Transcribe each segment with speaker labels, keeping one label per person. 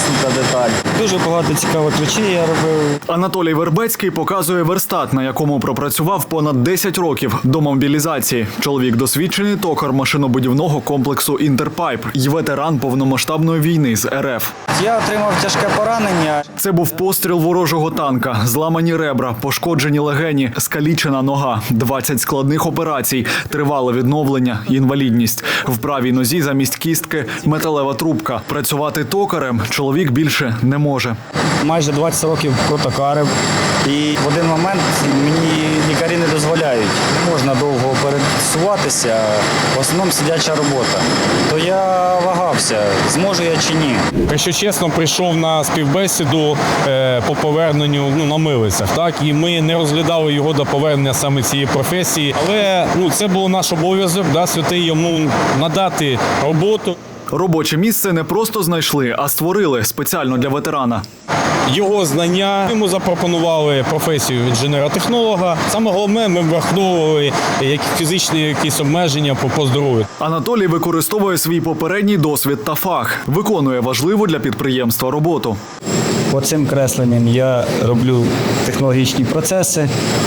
Speaker 1: сука, деталь. Дуже багато цікавих речей я робив.
Speaker 2: Анатолій Вербецький показує верстат, на якому пропрацював понад 10 років до мобілізації. Чоловік досвідчений токар машинобудівного комплексу «Інтерпайп» й ветеран повномасштабної війни з РФ.
Speaker 1: Я отримав тяжке поранення.
Speaker 2: Це був постріл ворожого танка, зламані ребра, пошкоджені легені, скалічена нога, 20 складних операцій, тривале відновлення, інвалідність. В правій нозі замість кістки металева трубка. Працювати токарем чоловік більше не може.
Speaker 1: Майже 20 років протокарив. І в один момент мені лікарі не дозволяють. Не можна довго пересуватися, в основному сидяча робота. То я вагався, зможу я чи ні.
Speaker 3: Якщо чесно, прийшов на співбесіду по поверненню на милицях. Так? І ми не розглядали його до повернення саме цієї професії. Але це був наш обов'язок, святий йому надати роботу.
Speaker 2: Робоче місце не просто знайшли, а створили спеціально для ветерана.
Speaker 3: Його знання, йому запропонували професію інженера-технолога. Саме головне, ми враховували фізичні якісь обмеження по здоров'ю.
Speaker 2: Анатолій використовує свій попередній досвід та фах. Виконує важливу для підприємства роботу.
Speaker 1: По цим кресленням я роблю технологічні процеси.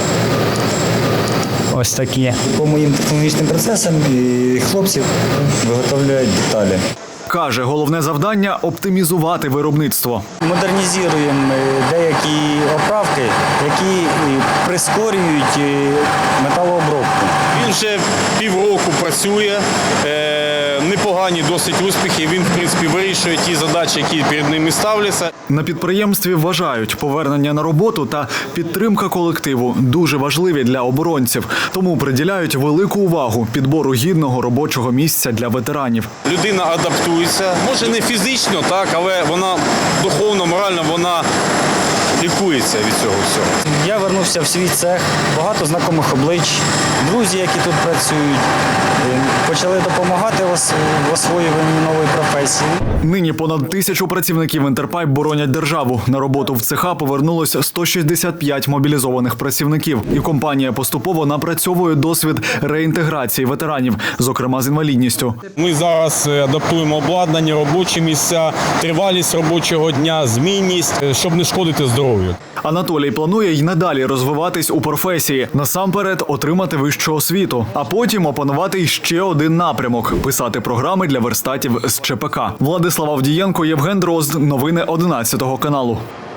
Speaker 1: Ось такі. По моїм технологічним процесам хлопці виготовляють деталі.
Speaker 2: Каже, головне завдання – оптимізувати виробництво.
Speaker 1: Модернізуємо деякі оправки, які прискорюють металообробку.
Speaker 3: Він вже півроку працює, непогані досить успіхи. Він, в принципі, вирішує ті задачі, які перед ними ставляться.
Speaker 2: На підприємстві вважають, повернення на роботу та підтримка колективу дуже важливі для оборонців. Тому приділяють велику увагу підбору гідного робочого місця для ветеранів.
Speaker 3: Людина адаптується, може не фізично, так, але вона духовно, морально, вона лікується від цього всього.
Speaker 1: Я вернувся в свій цех, багато знайомих облич, друзі, які тут працюють, почали допомагати в освоюванні нової професії.
Speaker 2: Нині понад 1000 працівників «Інтерпайп» боронять державу. На роботу в цеха повернулося 165 мобілізованих працівників. І компанія поступово напрацьовує досвід реінтеграції ветеранів, зокрема з інвалідністю.
Speaker 3: Ми зараз адаптуємо обладнання, робочі місця, тривалість робочого дня, змінність, щоб не шкодити здоров'ю.
Speaker 2: Анатолій планує й надалі розвиватись у професії. Насамперед отримати вищу освіту, а потім опанувати ще один напрямок – писати програми для верстатів з ЧПК. Владислав Авдієнко, Євген Дрозд. Новини 11 каналу.